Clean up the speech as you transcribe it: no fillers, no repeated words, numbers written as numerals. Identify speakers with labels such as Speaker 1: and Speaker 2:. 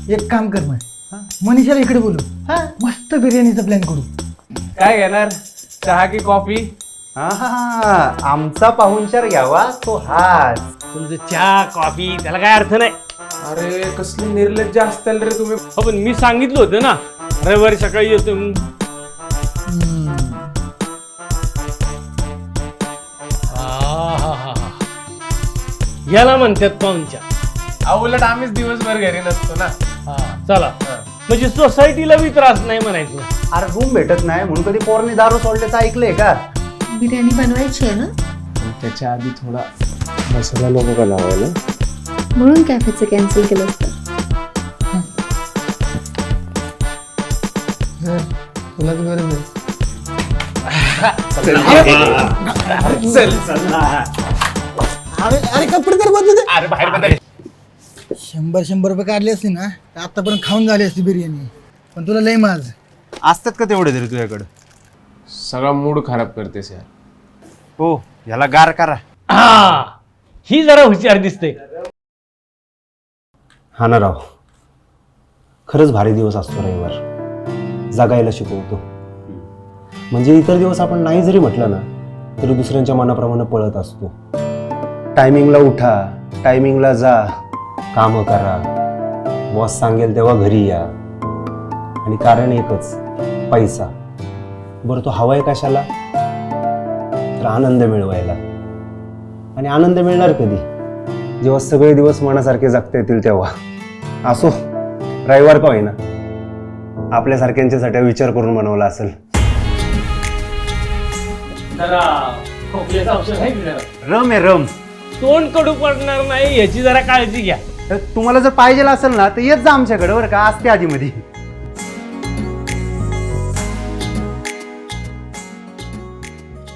Speaker 1: एक काम कर मग मनीषाला इकडे बोलू मस्त बिर्याणीचा प्लॅन करू.
Speaker 2: काय घेणार, चहा की कॉफी?
Speaker 3: हा आमचा पाहुणचार घ्यावा तो हाच.
Speaker 4: तुमचं चहा कॉफी त्याला काय अर्थ नाही.
Speaker 2: अरे कसली निर्लज्ज असताल रे तुम्ही.
Speaker 4: हो पण मी सांगितलं होतं ना रविवारी सकाळी येतो म्हणून. आहाहाहा. याला म्हणतात पाहुणचार.
Speaker 2: उलट आम्हीच दिवसभर घरी नसतो ना.
Speaker 4: चला म्हणजे सोसायटीला बी त्रास नाही म्हणायचं.
Speaker 3: अरे रूम भेटत नाही म्हणून कधी पोरने दारू सोडल्याचं ऐकलंय का?
Speaker 5: बिर्याणी बनवायची आहे ना,
Speaker 2: त्याच्या आधी थोडा मसाला नको का लावायला?
Speaker 5: म्हणून कॅफेचं कॅन्सल केलं असतं.
Speaker 1: तुलाच गरज आहे. अरे कपडे तर बदलू दे.
Speaker 2: अरे बाहेर बदल.
Speaker 1: 100 रुपये काढले असते ना तर आतापर्यंत खाऊन झाली असती बिर्याणी. पण तुला लय माज
Speaker 3: असतात का तेवढे तरी तुझ्याकडं?
Speaker 2: सगळा मूड खराब करतेस यार.
Speaker 3: हो ह्याला गार करा.
Speaker 4: हा ही जरा हुशार दिसते.
Speaker 6: हा ना राव, खरंच भारी दिवस असतो रविवार. जगायला शिकवतो. म्हणजे इतर दिवस आपण नाही जरी म्हटलं ना तरी दुसऱ्यांच्या मनाप्रमाणे पळत असतो. टायमिंगला उठा, टायमिंगला जा, कामं करा, बॉस सांगेल तेव्हा घरी या. आणि कारण एकच, पैसा. बरं तो हवाय कशाला? तर आनंद मिळवायला. आणि आनंद मिळणार कधी? जेव्हा सगळे दिवस मनासारखे जगता येतील तेव्हा. असो रविवार का होईना, आपल्यासारख्यांच्यासाठी विचार करून बनवला असेल.
Speaker 4: जरा खोकल्याचं औषध आहे की जरा?
Speaker 3: रम आहे रम.
Speaker 4: तोंड कडू पडणार नाही याची जरा काळजी घ्या.
Speaker 3: तर तुम्हाला जर पाहिजे असेल ना तर येत जा आमच्याकडे बरं का, असते आधीमध्ये.